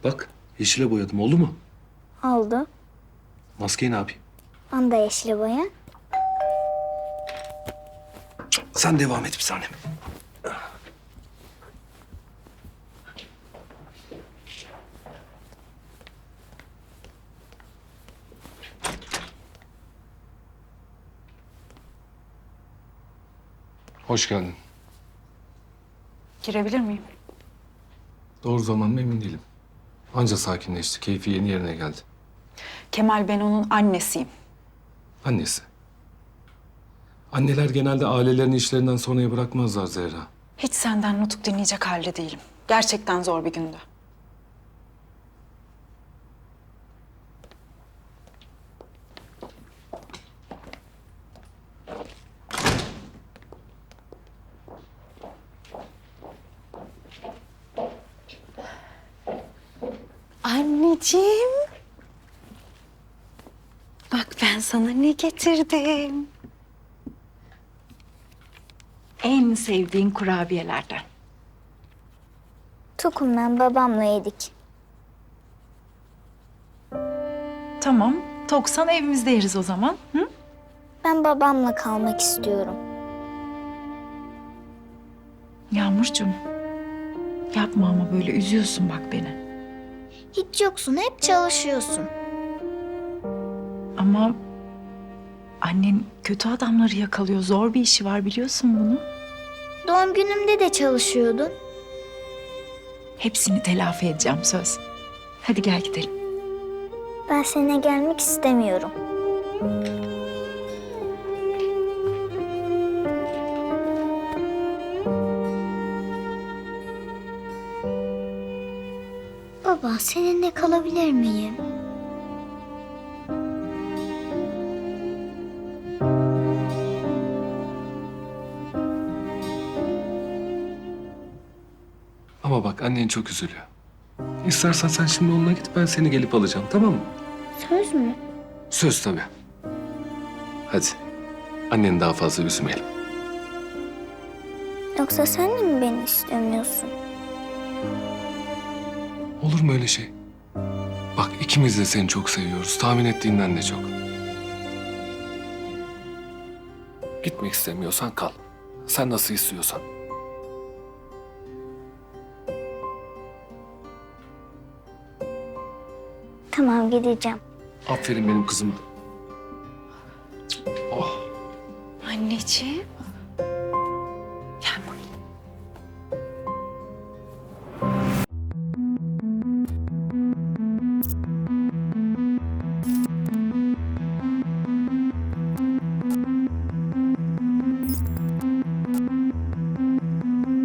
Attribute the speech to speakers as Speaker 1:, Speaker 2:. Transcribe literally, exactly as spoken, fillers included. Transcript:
Speaker 1: Bak yeşile boyadım, oldu mu?
Speaker 2: Oldu.
Speaker 1: Maskeyi ne yapayım?
Speaker 2: Onu da yeşile boya.
Speaker 1: Sen devam et bir saniye. Hoş geldin.
Speaker 3: Girebilir miyim?
Speaker 1: Doğru zaman mı emin değilim. Anca sakinleşti, keyfi yeni yerine geldi.
Speaker 3: Kemal, ben onun annesiyim.
Speaker 1: Annesi. Anneler genelde ailelerini işlerinden sonraya bırakmazlar Zehra.
Speaker 3: Hiç senden nutuk dinleyecek halde değilim. Gerçekten zor bir gündü. Anneciğim. Bak ben sana ne getirdim. En sevdiğin kurabiyelerden.
Speaker 2: Tokum'dan babamla yedik.
Speaker 4: Tamam. Toksan evimizde yeriz o zaman. Hı?
Speaker 2: Ben babamla kalmak istiyorum.
Speaker 4: Yağmurcuğum. Yapma ama böyle üzüyorsun bak beni.
Speaker 2: Hiç yoksun, hep çalışıyorsun.
Speaker 4: Ama annen kötü adamları yakalıyor. Zor bir işi var biliyorsun bunu.
Speaker 2: Doğum günümde de çalışıyordun.
Speaker 4: Hepsini telafi edeceğim söz. Hadi gel gidelim.
Speaker 2: Ben seninle gelmek istemiyorum. Baba, seninle kalabilir miyim?
Speaker 1: Ama bak annen çok üzülüyor. İstersen sen şimdi onunla git, ben seni gelip alacağım, tamam mı?
Speaker 2: Söz mü?
Speaker 1: Söz tabii. Hadi. Anneni daha fazla üzmeyelim.
Speaker 2: Yoksa sen de mi beni istemiyorsun?
Speaker 1: Olur mu öyle şey? Bak ikimiz de seni çok seviyoruz. Tahmin ettiğinden de çok. Gitmek istemiyorsan kal. Sen nasıl istiyorsan.
Speaker 2: Tamam, gideceğim.
Speaker 1: Aferin benim kızım. Oh.
Speaker 3: Anneciğim.